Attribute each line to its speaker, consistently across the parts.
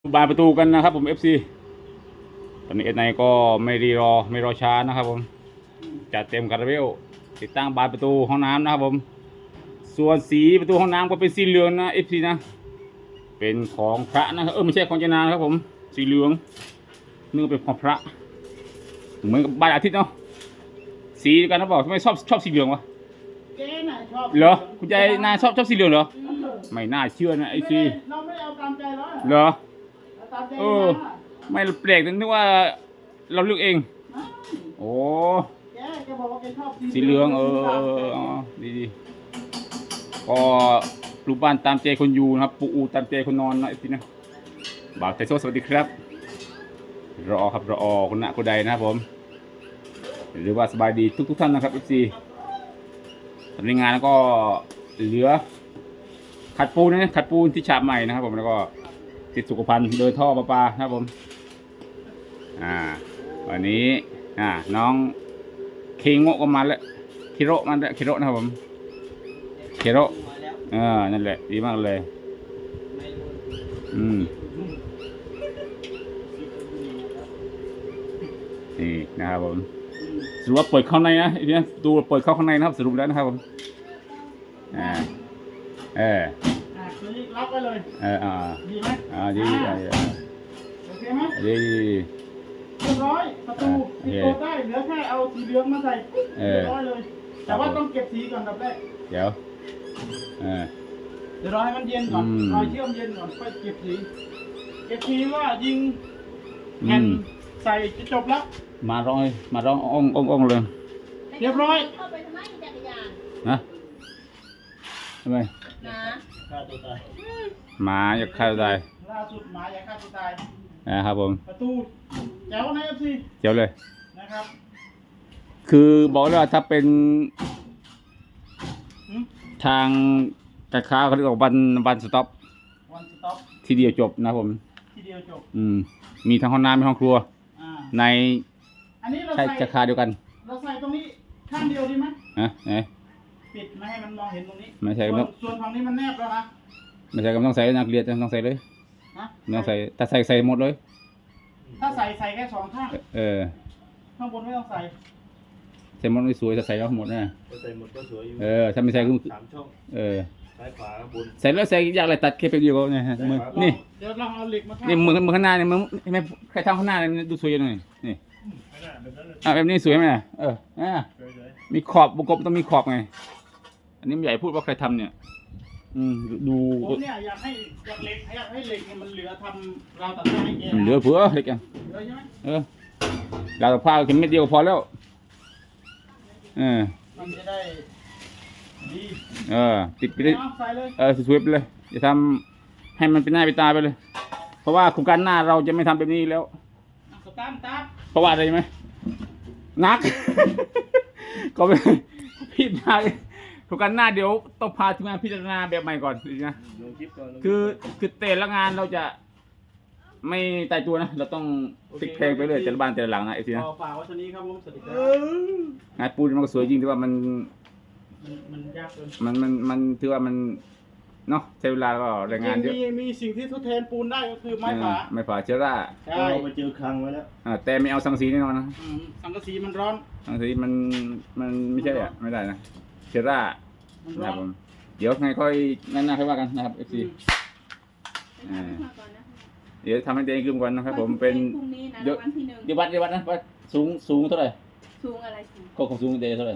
Speaker 1: บานประตูกันนะครับผม FC ตอนนี้เอไนก็ไม่รอช้านะครับผมจัดเต็มคาราเบลติดตั้งบานประตูห้องน้ำนะครับผมส่วนสีประตูห้องน้ำก็เป็นสีเหลืองนะ FC นะเป็นของพระนะครับไม่ใช่ของเจนานะครับผมสีเหลืองนึกว่าเป็นของพระเหมือนกับบานอาทิตย์เนาะสีกันนะบอกทำไมชอบสีเหลืองวะ
Speaker 2: เจ๊น่ะชอบ
Speaker 1: เหรอคุณยายนาชอบสีเหลืองเหรอไม่น่าเชื่อนะไอซี
Speaker 2: เราไม่ได้เอาตามใจเรา
Speaker 1: เหรอ
Speaker 2: เอาตามใจ
Speaker 1: ไม่แปลกนึกว่าเราเลือกเองโอ้
Speaker 2: แกบอกว่าแกชอบ
Speaker 1: สีเหลืองดีก็ปลูกบ้านตามใจคนอยู่นะครับปลูกอูตามใจคนนอนนะไอ้ทีนะบ่าวไทโซสวัสดีครับรอคนหน้าคนใดนะครับผมหรือว่าสบายดีทุกท่านนะครับ FC ทำงานแล้วก็เหลือขัดปูนที่ฉาบใหม่นะครับผมแล้วก็ติดสุขภัณฑ์โดยท่อประปานะครับผมวันนี้น้องเคงโงก็มาแล้วคิโรนะครับผมคิโรนั่นแหละดีมากเลยนี่นะครับผมสรุปว่าเปิดเข้าในนะไอ้เนี่ยดูเปิดเข้าข้างในนะครับสรุปแล้วนะครับผม
Speaker 2: รับไปเลยดีไหม
Speaker 1: ดี
Speaker 2: โอเคไหม
Speaker 1: ดี
Speaker 2: เรียบร้อยประตูติดตัวได้เหลือแค่เอาสีเหลืองมาใส่เรียบร้อยเลยแต่ว่าต้องเก็บสีก่อนดับแรก
Speaker 1: เดี๋ยว
Speaker 2: รอให้มันเย็นก่อนรอเชื่อมเย็นก่อนค่อยเก็บสีว่ายิงแผ่นใส่จะจบแล้ว
Speaker 1: มาร้องอ่องเลย
Speaker 2: เรียบร้อย
Speaker 3: เข้าไปทำไมจักรยาน
Speaker 1: นะทำไม
Speaker 2: ฆ่าตัวตาย
Speaker 1: หมาอยากฆ่าตัวตาย
Speaker 2: ล่าสุดหมาอยากฆ่าตัวตาย
Speaker 1: นะครับผม
Speaker 2: ประตูแจ๋วนะFC
Speaker 1: เจ๋วเลย
Speaker 2: นะครับ
Speaker 1: คือบอกเลยว่าถ้าเป็นทางกระค้าเขาเรียกว่าวันสต็อปทีเดียวจบนะผม
Speaker 2: ทีเดียวจบ
Speaker 1: มีทั้งห้องน้ำมีห้องครัวใน
Speaker 2: อันนี้เรา
Speaker 1: ใช้กระค้าเดียวกัน
Speaker 2: เราใส่ตรงนี้ข้างเดียวดีไหมปิดไม่ให้มันมองเห็นตรงนี้
Speaker 1: ไม่ใช่
Speaker 2: ส่วนฝั่งนี้มันแนบแล้วนะ
Speaker 1: ไม่ใช่ก็ต้องใส่นักเรียนต้องใส่เลยต้องใส่ถ้าใส่หมดเลย
Speaker 2: ถ้าใส่แค่สองข้างข้างบนไม่ต้องใส่
Speaker 1: หมดไม่สวยจะใส่แล้วหมดนะ
Speaker 4: ใส่หมดก็สวยอยู่
Speaker 1: ถ้าไม่ใส่ก็
Speaker 4: 3 ช่องซ้ายขวาบน
Speaker 1: ใส่แล้วใส่ยากอะไรตัดแค่เพียงเดียวก็เนี่ยมือนี่
Speaker 2: เดี๋ยวเราเอาเหล็กมา
Speaker 1: นี่มือข้างหน้าเนี่ยมือไม่ใครทำข้างหน้าเนี่ยดูสวยหน่อยนี่แบบนี้สวยไหมมีขอบวงกลมต้องมีขอบไงอันนี้ใหญ่พูดว่าใครทำเนี่ยดู
Speaker 2: ผมเนี่ยอยากให้เหล็กเนี่ยมันเหลือทำราวตัดผ้าให้แก
Speaker 1: เหลือเผื่อเหล็กอ่ะ
Speaker 2: เหลือใช่ไหม
Speaker 1: ราวตัดผ้าแค่เม็ดเดียวพอแล้ว
Speaker 2: มันจะได้ดี
Speaker 1: ติดไปเลยสวยๆไปเลยอย่าทำให้มันเป็นหน้าเป็นตาไปเลยเพราะว่าโครงการหน้าเราจะไม่ทำแบบนี้แล้วเพราะว่าอะไรไหมนักก็ไม่ผิดไปโครงการหน้าเดี๋ยวต้องพาทีมงานพิจารณาแบบใหม่ก่อนนะคือแต่ละงานเราจะไม่ตายตัวนะเราต้องติดเพลงไปเลยแต่ละบ้านแต่ละหลังนะไอ้ทีนะ
Speaker 2: ฝากไว้ตอนนี้ครับผมสวัสดีครับ
Speaker 1: งานปูนมันก็สวยจริงแต่ว่ามัน
Speaker 2: ยากเกิน
Speaker 1: มันถือว่ามันเนาะใช้เวลาก็แรงงานเยอะ
Speaker 2: มีสิ่งที่ทดแทนปูนได้ก็คือไม้ฝา
Speaker 1: เชื้อรา
Speaker 4: เราไปเจอคลังไว้แล้ว
Speaker 1: แต่ไม่เอาสังกะสีแน่นอนนะ
Speaker 2: สังกะสีมันร้อน
Speaker 1: สังกะสีมันไม่ใช่ไม่ได้นะเชื้อรานะครับผมเดี๋ยวไงค่อยนั่นค่อยว่ากันนะครับ FC เดี๋ยวทำให้เดงขึ้นก่อนนะครับผมเป็นเดี๋ยววัดนะว่าสูงเท่าไหร่
Speaker 3: สูงอะไรสูง
Speaker 1: ของสูงเดเท่าไหร่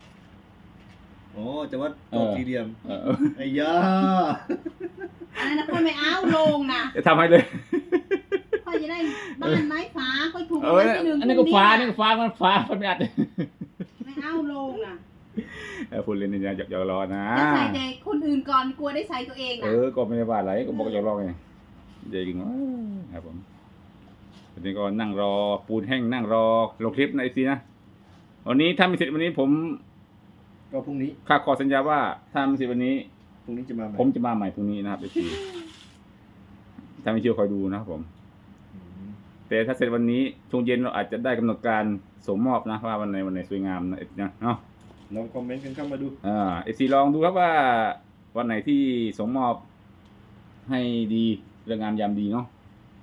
Speaker 4: จะวัดตัวสี่เหลี่ยมไอ้ยา
Speaker 3: อันนั้นค่อยไม่เอาลงนะ
Speaker 1: จะทำให้เลย
Speaker 3: ค่อยจะได้บ้านไม้ฟ้าค่อยถูกไว้ที่หนึ่ง
Speaker 1: อันนี้ก็ฟ้ามันไม่อัด
Speaker 3: ไม่เอาลงนะ
Speaker 1: พูดเล่นนี่อยากรอนะ
Speaker 3: จะใส่แต่คนอื่นก่อนกลัวได้ใส่ตัวเอง
Speaker 1: ก็ไม่ได้ว่าอะไรก็บอกอยากรอไงเดี๋ยวจริงครับผมวันนี้ก็นั่งรอปูนแห้งนั่งรอลงคลิปในซีนะวันนี้ถ้าไม่เสร็จวันนี้ผม
Speaker 4: ก็พรุ่งนี้
Speaker 1: ข้าขอสัญญาว่าถ้าไม่เสร็จวันนี้
Speaker 4: พรุ่งนี้จะมา
Speaker 1: ผมจะมาใหม่พรุ่งนี้นะครับซีถ้าไม่เชื่อคอยดูนะครับผมแต่ถ้าเสร็จวันนี้ช่วงเย็นเราอาจจะได้กำหนดการส่งมอบนะว่าวันไหนสวยงามนะเนาะ
Speaker 4: ลองคอมเมนต์กันเข้ามาดู
Speaker 1: ซีลองดูครับว่าวันไหนที่ส่งมอบให้ดีเรื่องงามยามดีเนาะ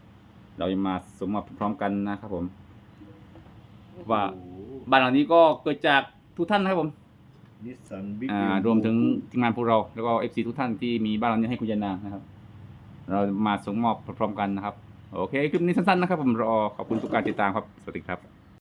Speaker 1: เราจะมาสมมอบพร้อมกันนะครับผมว่าบ้านหลังนี้ก็เกิดจากทุกท่านนะครับผม
Speaker 4: นิสสันบิ๊ก
Speaker 1: รวมถึงทีมงานพวกเราแล้วก็ FC ทุกท่านที่มีบ้านหลังนี้ให้คุณยายนางนะครับ เรามาส่งมอบพร้อมๆกันนะครับโอเคคลิปนี้สั้นๆนะครับผมรอขอบคุณทุกการติดตามครับสวัสดีครับ